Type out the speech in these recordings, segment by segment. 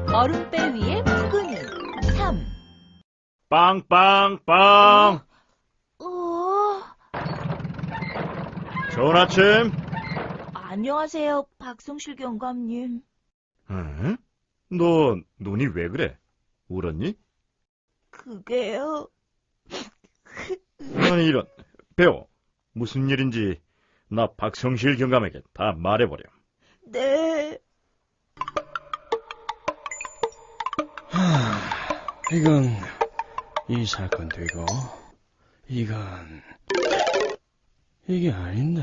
얼음배 위에 푸근이 3. 빵빵빵. 좋은 아침. 안녕하세요, 박성실 경감님. 응? 너 눈이 왜 그래? 울었니? 그게요. 아니 이런. 배워. 무슨 일인지 나 박성실 경감에게 다 말해버려. 네. 이건 이 사건 되고 이건 이게 아닌데.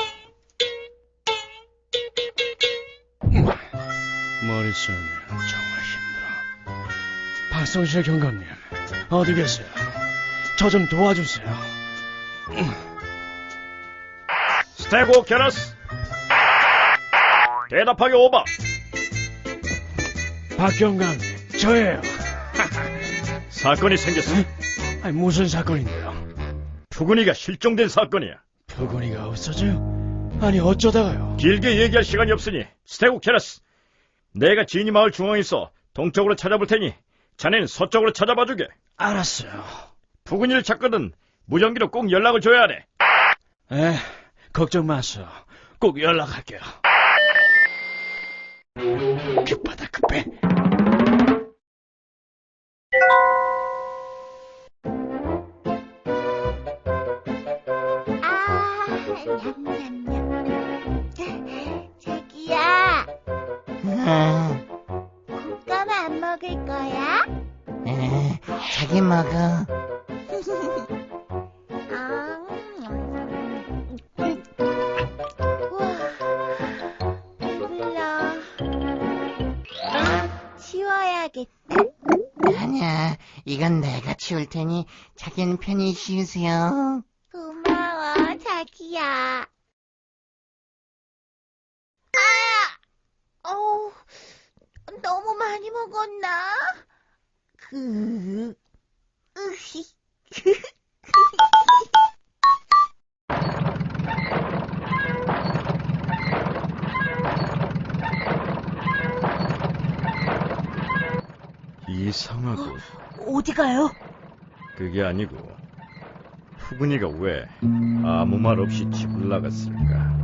머릿속이 정말 힘들어. 박성실 경감님 어디 계세요? 저 좀 도와주세요. 스테고케라스. 대답하게 오바. 박 경감님 저예요. 사건이 생겼어. 아니, 무슨 사건인데요? 푸근이가 실종된 사건이야. 푸근이가 없어져요? 아니 어쩌다가요? 길게 얘기할 시간이 없으니 스테고케라스. 내가 지니 마을 중앙에 있어 동쪽으로 찾아볼 테니 자네는 서쪽으로 찾아봐 주게. 알았어요. 푸근이를 찾거든 무전기로 꼭 연락을 줘야 하네. 걱정 마세요. 꼭 연락할게요. 급하다 급해. 냠냠냠. 자기야, 곶감 안 먹을 거야? 자기 먹어. 우와, 배불러. 치워야겠다. 아니야, 이건 내가 치울 테니 자기는 편히 쉬우세요. 고마워, 자기야. 어우, 너무 많이 먹었나? 으히. 이상하고. 어디 가요? 그게 아니고 푸근이가 왜 아무 말 없이 집을 나갔을까?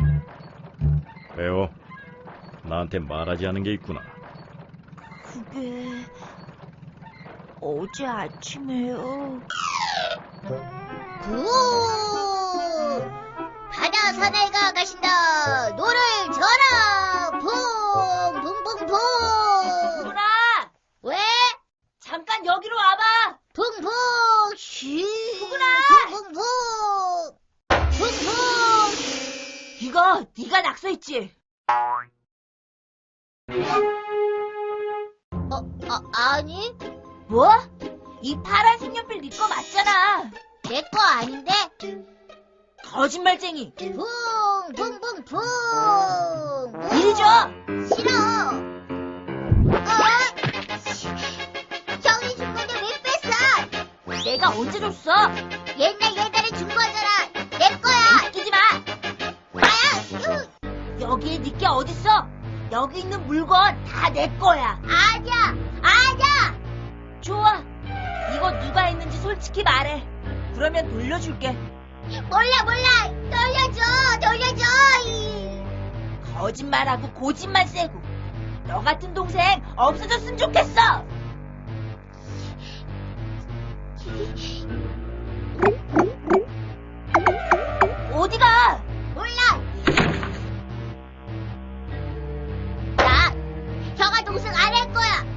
배워. 나한테 말하지 않은 게 있구나. 그게 어제 아침에요. 바다 사나이가 가신다. 노를 져라. 붕붕붕붕붕. 누나! 왜? 잠깐 여기로 와봐! 붕붕. 쉬. 푸근아! 붕붕붕. 붕붕. 이거 네가 낙서했지? 아니, 뭐? 이 파란 색연필 네 거 맞잖아. 내 거 아닌데? 거짓말쟁이. 붕붕붕붕. 이리 줘. 싫어. 형이 준 건데 왜 뺐어? 내가 언제 줬어? 옛날에 준 거잖아. 내 거야. 웃기지 마. 나야. 여기에 네 게 어딨어? 여기 있는 물건 다 내 거야. 아니야. 좋아. 이거 누가 했는지 솔직히 말해. 그러면 돌려줄게. 몰라. 돌려줘. 거짓말하고 고집만 세고. 너 같은 동생 없어졌으면 좋겠어. 어디가? 몰라. 나 형아 동생 안 할 거야.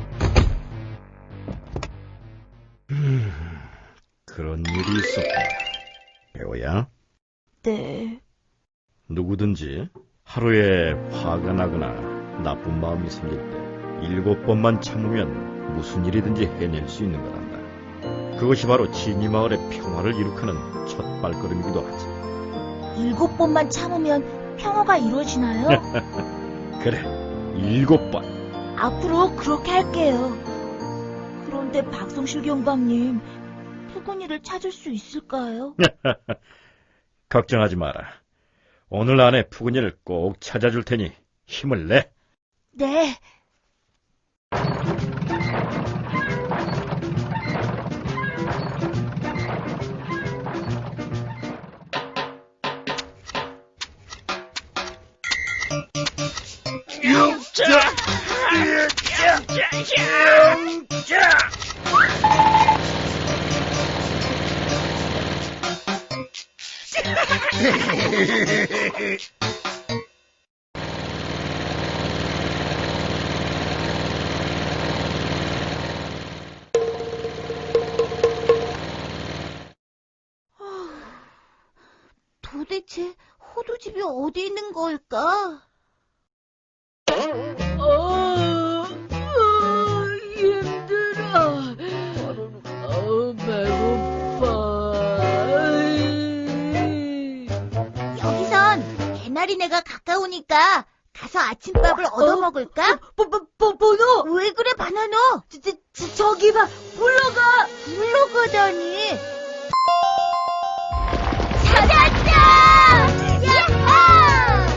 그런 일이 있었구나. 배워야 네. 누구든지 하루에 화가 나거나 나쁜 마음이 생길 때 7번만 참으면 무슨 일이든지 해낼 수 있는 거란다. 그것이 바로 지니 마을의 평화를 이룩하는 첫 발걸음이기도 하지. 7번만 참으면 평화가 이루어지나요? 그래, 7번. 앞으로 그렇게 할게요. 그런데 박성실 경감님, 푸근이를 찾을 수 있을까요? 걱정하지 마라. 오늘 안에 푸근이를 꼭 찾아줄 테니 힘을 내. 네. 도대체 호두집이 어디 있는 걸까? 힘들어. 배고파. 여기선 개나리네가 가까우니까 가서 아침밥을 얻어먹을까? 번호! 왜 그래, 바나노? 저기 봐, 물러가! 물러가다니. 찾았다! 야호!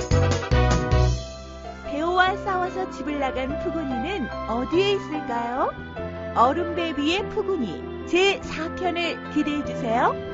배우와 싸워서 집을 나간 푸근이는 어디에 있을까요? 얼음배 위의 푸근이 제4편을 기대해주세요.